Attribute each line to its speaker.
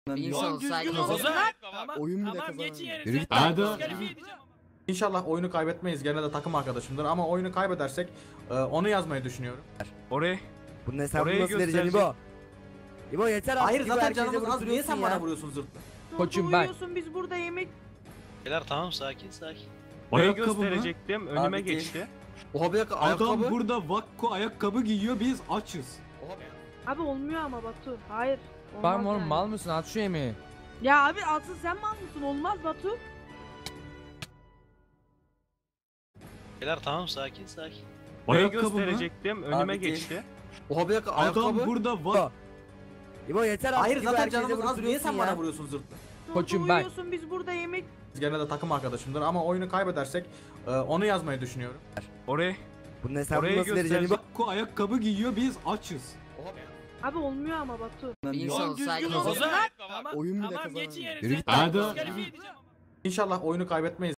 Speaker 1: Bir insan olsaydı
Speaker 2: Oyun bile
Speaker 3: Tamam
Speaker 2: kazanamıyor.
Speaker 3: geçin
Speaker 2: Yürü
Speaker 3: yerinize.
Speaker 2: git.
Speaker 4: Hadi.
Speaker 3: Diskalifiye edeceğim.
Speaker 5: İnşallah oyunu kaybetmeyiz. Gene de takım arkadaşımdır ama oyunu kaybedersek onu yazmayı düşünüyorum.
Speaker 4: Oraya.
Speaker 2: Bunun hesabını
Speaker 4: Orayı
Speaker 2: nasıl vereceksin İbo? İbo yeter artık.
Speaker 5: Hayır
Speaker 2: İbo,
Speaker 5: zaten
Speaker 2: herkese
Speaker 5: canımız
Speaker 2: vurup
Speaker 5: az. Niye sen
Speaker 2: duruyorsun
Speaker 5: bana
Speaker 2: ya.
Speaker 5: vuruyorsun zırt?
Speaker 1: Koçum bak.
Speaker 6: Biz burada yemek...
Speaker 7: Beyler tamam sakin sakin.
Speaker 4: Orayı
Speaker 8: Ayakkabı mı?
Speaker 4: gösterecektim. Önüme
Speaker 2: Abi,
Speaker 4: geçti.
Speaker 2: Oha bir dakika ayakkabı.
Speaker 8: Adam burada Vakko ayakkabı giyiyor, biz açız.
Speaker 6: Abi olmuyor ama Batu. Hayır. Olmaz
Speaker 1: Var mı oğlum
Speaker 6: yani.
Speaker 1: mal mısın at şu yemeği.
Speaker 6: Ya abi asıl sen mal mısın? Olmaz Batu.
Speaker 7: Beyler tamam sakin sakin.
Speaker 4: Orayı
Speaker 8: Ayakkabı mı?
Speaker 4: gösterecektim. Önüme
Speaker 2: Abi,
Speaker 4: geçti.
Speaker 2: Oha bir dakika
Speaker 8: Adam
Speaker 2: ayakkabı.
Speaker 8: burada Vakko.
Speaker 2: İbo yeter artık.
Speaker 5: Hayır
Speaker 2: İbo,
Speaker 5: zaten
Speaker 2: herkese
Speaker 5: canımız
Speaker 2: vurup
Speaker 5: az. Niye
Speaker 2: duruyorsun
Speaker 5: sen
Speaker 2: ya.
Speaker 5: bana vuruyorsun zırt?
Speaker 1: Koçum bak.
Speaker 6: Uyuyorsun biz burada yemek...
Speaker 5: Gene de takım arkadaşımdır ama oyunu kaybedersek onu yazmayı düşünüyorum.
Speaker 4: Oraya.
Speaker 2: Bunun hesabını
Speaker 4: Orayı
Speaker 2: nasıl vereceksin İbo?
Speaker 8: Vakko ayakkabı giyiyor, biz açız.
Speaker 6: Abi olmuyor ama Batu.
Speaker 1: Bir insan
Speaker 3: Oğlum düzgün
Speaker 1: olsaydı
Speaker 3: olsun lan.
Speaker 2: Oyun bile
Speaker 3: Tamam
Speaker 2: kazanamıyor.
Speaker 3: geçin
Speaker 2: Yürü
Speaker 3: yerinize.
Speaker 2: git.
Speaker 8: Hadi.
Speaker 3: Diskalifiye edeceğim.
Speaker 5: İnşallah oyunu kaybetmeyiz.